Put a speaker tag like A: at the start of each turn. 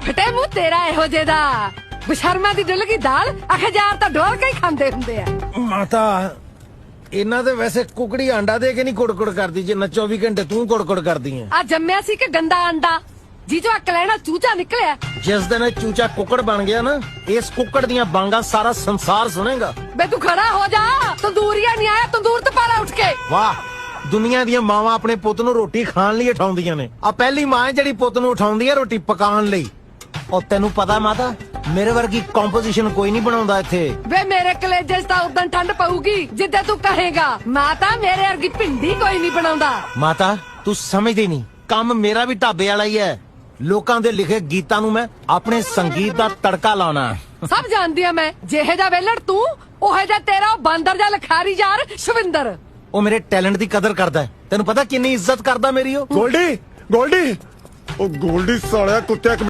A: ਫਟੇ ਮੂੰਹ ਤੇਰਾ ਇਹੋ ਜਿਹੇ ਦਾ ਬਸ਼ਰਮਾ ਦੀ ਡੁੱਲ ਗਈ ਦਾਲ ਅਖਜ਼ਾਰ ਤਾਂ ਡੋਲ ਕੇ ਹੀ ਖਾਂਦੇ ਹੁੰਦੇ ਆ।
B: ਮਾਤਾ ਇਹਨਾਂ ਦੇ ਵੈਸੇ ਕੁਕੜੀ ਆਂਡਾ ਦੇ ਕੇ ਨਹੀਂ ਕੁੜਕੁੜ ਕਰਦੀ ਜਿੰਨਾ 24 ਘੰਟੇ ਤੂੰ ਕੁੜਕੁੜ ਕਰਦੀ ਐ।
A: ਆ ਜੰਮਿਆ ਸੀ ਕਿ ਗੰਦਾ ਅੰਡਾ ਜੀਜੋ ਅਕ ਲੈਣਾ ਚੂਚਾ ਨਿਕਲਿਆ।
B: ਜਿਸ ਦਿਨ ਇਹ ਚੂਚਾ ਕੁੱਕੜ ਬਣ ਗਿਆ ਨਾ ਇਸ ਕੁੱਕੜ ਦੀਆਂ ਬਾਂਗਾਂ ਸਾਰਾ ਸੰਸਾਰ ਸੁਣੇਗਾ।
A: ਬੇ ਤੂੰ ਖੜਾ ਹੋ ਜਾ ਤੰਦੂਰੀਆ ਨਹੀਂ ਆਇਆ ਤੰਦੂਰ ਤੇ ਪਾਲਾ ਉੱਠ ਕੇ।
B: ਵਾਹ ਦੁਨੀਆ ਦੀਆਂ ਮਾਵਾਂ ਆਪਣੇ ਪੁੱਤ ਨੂੰ ਰੋਟੀ ਖਾਣ ਲਈ ਉਠਾਉਂਦੀਆਂ ਨੇ ਆ ਪਹਿਲੀ ਮਾਂ ਹੈ ਜਿਹੜੀ ਪੁੱਤ ਨੂੰ ਉਠਾਉਂਦੀ ਹੈ ਰੋਟੀ ਪਕਾਉਣ ਲਈ। ਉਹ ਤੈਨੂੰ ਪਤਾ ਮਾਤਾ ਮੇਰੇ ਵਰਗੀ ਕੰਪੋਜੀਸ਼ਨ ਕੋਈ ਨਹੀਂ ਬਣਾਉਂਦਾ ਇੱਥੇ।
A: ਵੇ ਮੇਰੇ ਕਲੇਜੇ 'ਚ ਤਾਂ ਉਦੋਂ ਠੰਡ ਪਊਗੀ ਜਿੱਦਾਂ ਤੂੰ ਕਹੇਗਾ। ਮਾਤਾ ਮੇਰੇ ਵਰਗੀ ਭਿੰਡੀ ਕੋਈ ਨਹੀਂ ਬਣਾਉਂਦਾ।
B: ਮਾਤਾ ਤੂੰ ਸਮਝਦੀ ਨਹੀਂ ਕੰਮ ਮੇਰਾ ਵੀ ਢਾਬੇ ਵਾਲਾ ਹੀ ਹੈ। ਲੋਕਾਂ ਦੇ ਲਿਖੇ ਗੀਤਾਂ ਨੂੰ ਮੈਂ ਆਪਣੇ ਸੰਗੀਤ ਦਾ ਤੜਕਾ ਲਾਉਣਾ।
A: ਸਭ ਜਾਣਦੀ ਆ ਮੈਂ ਜਿਹੇ ਦਾ ਵੇਲੜ ਤੂੰ ਉਹੇ ਦਾ ਤੇਰਾ ਉਹ ਬਾਂਦਰ ਜਾਂ ਲਖਾਰੀ ਯਾਰ ਸ਼ਵਿੰਦਰ।
B: ਉਹ ਮੇਰੇ ਟੈਲੈਂਟ ਦੀ ਕਦਰ ਕਰਦਾ ਹੈ। ਤੈਨੂੰ ਪਤਾ ਕਿੰਨੀ ਇੱਜ਼ਤ ਕਰਦਾ ਮੇਰੀ ਉਹ।
C: ਗੋਲਡੀ ਉਹ ਗੋਲਡੀ ਸਾਲਿਆ ਕੁੱਤਿਆ